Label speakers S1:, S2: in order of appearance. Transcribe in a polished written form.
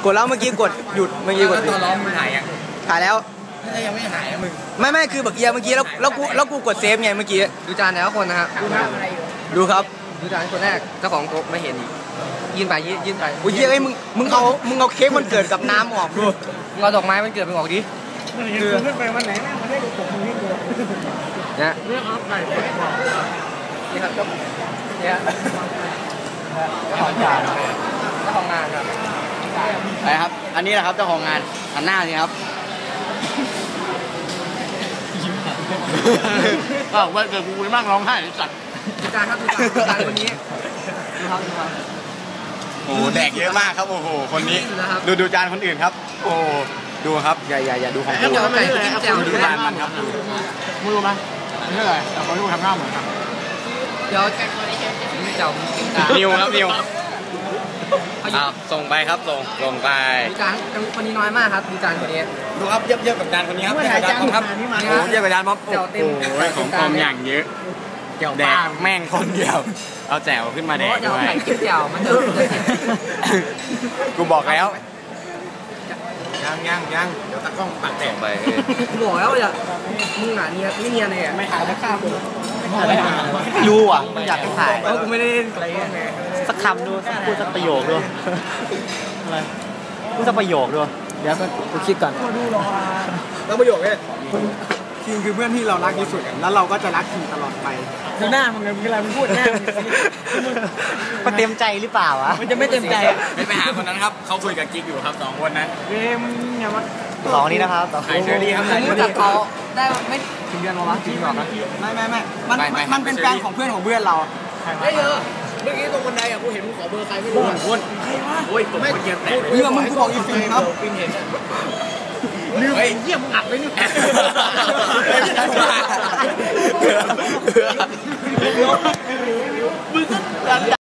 S1: กดแล้วเมื่อกี้กดหยุดเมื่อกี้กด
S2: ตัวล้อมึงถ่ายยัง
S1: ถ่ายแล้ว
S2: ยังไม่ถ่ายมึง
S1: ไม่คือแบบเอียเมื่อกี้แล้วกูกดเซฟไงเมื่อกี้
S2: ดูจานแล้วคนนะครับ
S1: ดูครับ
S2: ดูจานคนแรกเจ้าของโต๊ะไม่เห็นอีกยื่นไป
S1: โอ้ยไอ้มึงเอาเค้กมันเกิดกับน้ำออกดู
S2: มึงเอาดอกไม้มันเกิดมึงออกดิ
S3: คือขึ้นไปวันไหนแม่มาได้ดูผมมึงนี่ดู
S2: เนี่ย
S3: เรื่องอัพไก่
S2: นี่ครับเนี่ยเจ้าของงานครับ
S1: ไปครับอันนี้แหละครับเจ้าของงานหันหน้าสิครับ
S3: อ้าววันเกิดกูไม่มั่งร้องไห้สัตว์
S2: ดูจานครับดูจานคนนี้ดูครับ
S1: โอ้แดกเยอะมากครับโอ้โหคนนี้ดูจานคนอื่นครับโอ้ดูครับอย่าดูของกู
S2: ดู
S1: จานมันครับ
S3: มึงรู้ไหมนี่อะไรแต่เขาดูทำหน้าเหมือนกัน
S2: เดี๋ยว
S1: นิวครับนิวส่งไปครับส่งไป
S2: ดูจานคนนี้น้อยมากครับดูจานคนนี้
S1: ดูครับเยอะกับจานคนนี้ครับจานครับเยอะกับจานม็อบโอ้ยของคอมอย่างเยอะแดกแม่งคนเดียวเอาแจ่วขึ้นมาแดกด้วย
S2: แจ่วมันจะ
S1: กูบอกแล้วยังเดี๋ยวตะกล้องปัดแตกไป
S2: กูบอกแล้วอย่ามึงหนาเนียไม่เนียเลย
S3: ไม่ถ่ายแล้วข้าม
S1: รู้อ่ะมันอยากถ่าย
S2: กูไม่ได้เล่นอะไร
S1: สักคำดูพูดสักประโยคด้วยอะไรพูดสักประโยคด้วยเดี๋ยวกูคิดก่อน
S3: แล้วประโยคเนี่ยคิงคือเพื่อนที่เรารักที่สุดแล้วเราก็จะรักคิงตลอดไปดูหน้ามึงเวลามึงพูดหน้า
S1: มันเต็มใจหรือเปล่าวะ
S3: มันจะไม่เต็มใจ
S1: ไม่ไปหาคนนั้นครับเขาคุยกับกิ๊กอยู่ครับ2คนนั้น
S3: มึงอย่ามา
S1: สองนี้นะครับ
S2: ไอเชอรี่ครับรู้จักเขาได้ไม่ถึงเดือนหรอวะจริงหรอครับ
S3: ไม่มันเป็นแฟนของเพื่อนของเพื่อนเรา
S2: ได้เยอะเมื่อกี้ตรงบันไดอ่ะกูเห็นมึงขอเบอร์ใครไม่รู้
S1: คน
S3: ใครวะ
S1: โอ้ยผมเกียร์แตก
S3: เรื่องมึงกูบอกอีฟินครับ
S2: ฟินเห็น
S3: ลืมเยี่ยมอัดเลยเนี่ยมึงก็